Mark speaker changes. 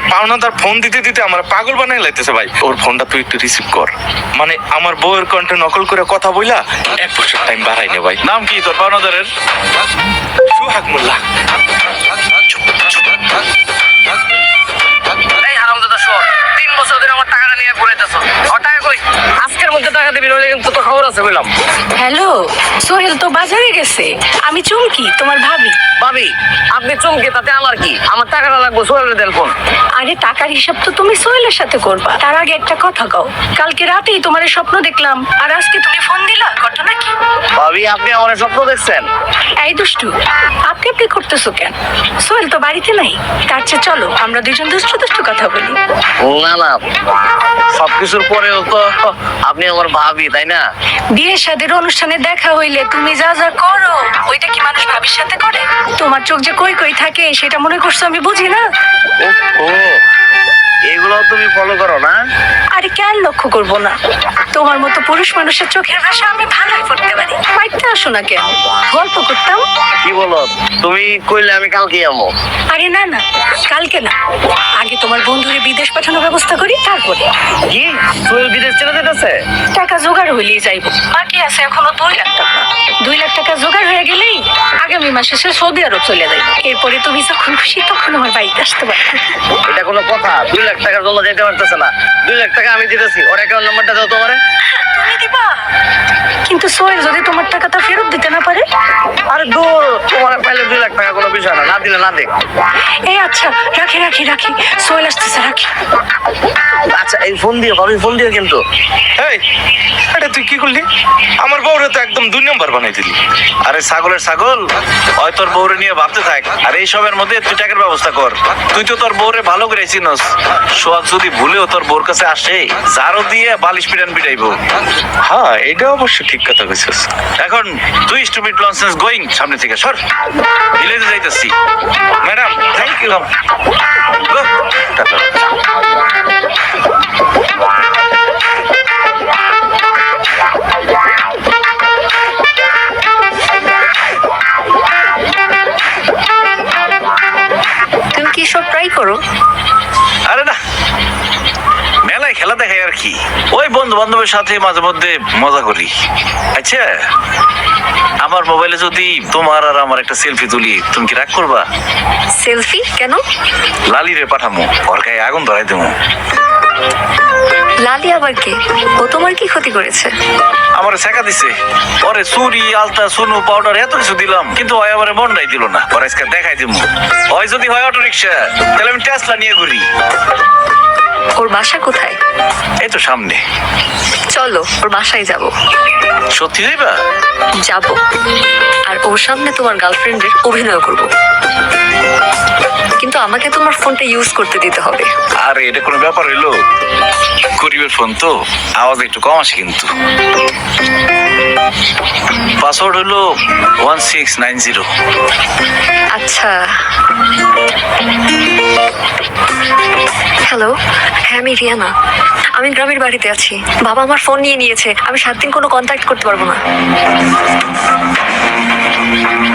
Speaker 1: পাওনাদার ফোন দিতে দিতে আমার পাগল বানাই লাইতেছে ভাই। ওর ফোনটা তুই একটু রিসিভ কর। মানে আমার বউয়ের কণ্ঠে নকল করে কথা বইলা 1 বছর টাইম বাড়াই নে ভাই।
Speaker 2: নাম কি তোর পাওনাদারের?
Speaker 1: সুহাগ মোল্লা।
Speaker 3: এই হারামজাদা শোন, 3 বছর ধরে আমার টাকাটা নিয়ে ঘুরাইতেছো। আর টাকা কই? আজকের মধ্যে টাকা দিবি, নইলে কিন্তু তো খবর আছে বললাম।
Speaker 4: হ্যালো, সোহেল তো বাজারে গেছে। আমি চুমকি, তোমার ভাবি।
Speaker 3: ভাবি, আপনি চমকে তাতে আমার কি? আমার টাকাটা লাগবে, সোহেলের দেন ফোন।
Speaker 4: আরে টাকার হিসাব তো তুমি সোহেলের সাথে করবা। তার আগে একটা কথা কও, কালকে রাতেই তোমার স্বপ্ন দেখলাম, আর আজকে তুমি ফোন দিলা, ঘটনা কি?
Speaker 3: ভাবি, আপনি আমার স্বপ্ন দেখছেন?
Speaker 4: এই দুষ্টু, আপনি করতেছো কেন? সোহেল তো বাড়িতে নাই। তার চেয়ে চলো আমরা দুজন দুষ্টু দুষ্টু কথা বলি।
Speaker 3: না না, সবকিছুর পরেও তো আপনি আমার ভাবি, তাই না?
Speaker 4: বিয়ে শাদীর অনুষ্ঠানে দেখা হইলে তুমি যা যা করো, ওইটা কি মানুষ ভাবির সাথে করে? তোমার চোখ যে কই কই থাকে সেটা মনে করছো আমি বুঝি না?
Speaker 3: ও, এগুলো তুমি ফলো করো না?
Speaker 4: আরে কেন লক্ষ্য করবো না? তোমার মতো পুরুষ মানুষের চোখের ভাষা আমি ভালোই পড়তে পারি। বাইতে আসো না কেন, গল্প করতাম।
Speaker 3: কি বলো? তুমি কইলে আমি কালকে যাবো।
Speaker 4: আরে না না, কালকে না, আগে তোমার বন্ধুরে বিদেশ পাঠানোর ব্যবস্থা করি, তারপরে।
Speaker 3: কি সোহেল বিদেশ চলে যেতেছে?
Speaker 4: টাকা জোগাড় হইলেই যাইবো। বাকি আছে এখনো 2 লাখ টাকা। 2 লাখ টাকা জোগাড় হয়ে গেলেই আগামী মাসে সে সৌদি আরব চলে যাবে। এরপরে তুমি যখন খুশি তখন আমার বাড়িতে আসতে পারবে।
Speaker 3: এটা কোনো কথা? 2 লাখ টাকার জন্য যেতে পারতেছে না। 2 লাখ টাকা আমি দিতেছি, ওর অ্যাকাউন্ট নাম্বারটা দাও তোমারে।
Speaker 4: তুমি দিবা? কিন্তু সোহেল যদি তোমার টাকাটা ফেরত দিতে না পারে?
Speaker 3: আরে দূর, তোমার পাইলে 2 লাখ টাকা কোনো বিষয় না, না দিলে না দেখ।
Speaker 4: এই আচ্ছা, রাখি রাখি রাখি, সোহেল আসতেছে, রাখি।
Speaker 3: আচ্ছা, এই ফোন দিও ভাবি, ফোন দিও কিন্তু।
Speaker 1: এই, এটা তুই কি করলি? আমার বউরে তো একদম 2 নম্বর বানাই দিলি।
Speaker 2: আরে ছাগলের ছাগল, ওই তোর বউরে নিয়ে ভাবতে থাক, আর এই সবের মধ্যে তুই টাকার ব্যবস্থা কর। তুই তো তোর বউরে ভালো করে চিনস। সোহাগ যদি ভুলেও তোর বউর কাছে আসে, জারো দিয়ে বালিশ পিটাইবো।
Speaker 1: হ্যাঁ, এটা অবশ্য ঠিক কথা কইছিস।
Speaker 2: এখন তুই স্টুপিড ননসেন্স গোয়িং, সামনে থেকে সর। ভিলেজে যাইতেছি।
Speaker 1: Madam, thank you.
Speaker 2: গো।
Speaker 4: তুমি কি সব ট্রাই করো?
Speaker 2: আরে না, মেলায় খেলা দেখাই আর কি। ওই বন্ধু বান্ধবের সাথে মাঝে মধ্যে মজা করি। আচ্ছা, আমার মোবাইলে যদি তোমার আর আমার একটা সেলফি তুলি, তুমি কি রাগ করবা?
Speaker 4: সেলফি কেন?
Speaker 2: লালিরে পাঠামো, ওর গায়ে আগুন ধরাই দেবো।
Speaker 4: লালি আবার কে? ও তোমার কি ক্ষতি করেছে?
Speaker 2: আমার শেখা দিছে, ওরে চুরি আলতা সোনু পাউডার এত কিছু দিলাম, কিন্তু ওই আমার মনটাই দিল না। ওর আজকে দেখাই দিব। ওই যদি হয় অটো রিক্সা, তাহলে আমি টেসলা নিয়ে ঘুরি।
Speaker 4: ওর বাসা কোথায়?
Speaker 2: এই তো সামনে।
Speaker 4: চলো ওর বাসায় যাব।
Speaker 2: সত্যি যাইবা?
Speaker 4: যাব, আর ওর সামনে তোমার গার্লফ্রেন্ডের অভিনয় করব, কিন্তু আমাকে তোমার ফোনটা ইউজ করতে দিতে হবে।
Speaker 2: আরে এটা কোনো ব্যাপার হইলো? গরিবের ফোন তো, আওয়াজ একটু কম আসে কিন্তু। পাসওয়ার্ড হলো 1690।
Speaker 4: আচ্ছা। হ্যালো, হ্যাঁ আমি রিয়ানা। আমি গ্রামের বাড়িতে আছি। বাবা আমার ফোন নিয়ে নিয়েছে, আমি 7 দিন কোনো কন্ট্যাক্ট করতে পারবো না।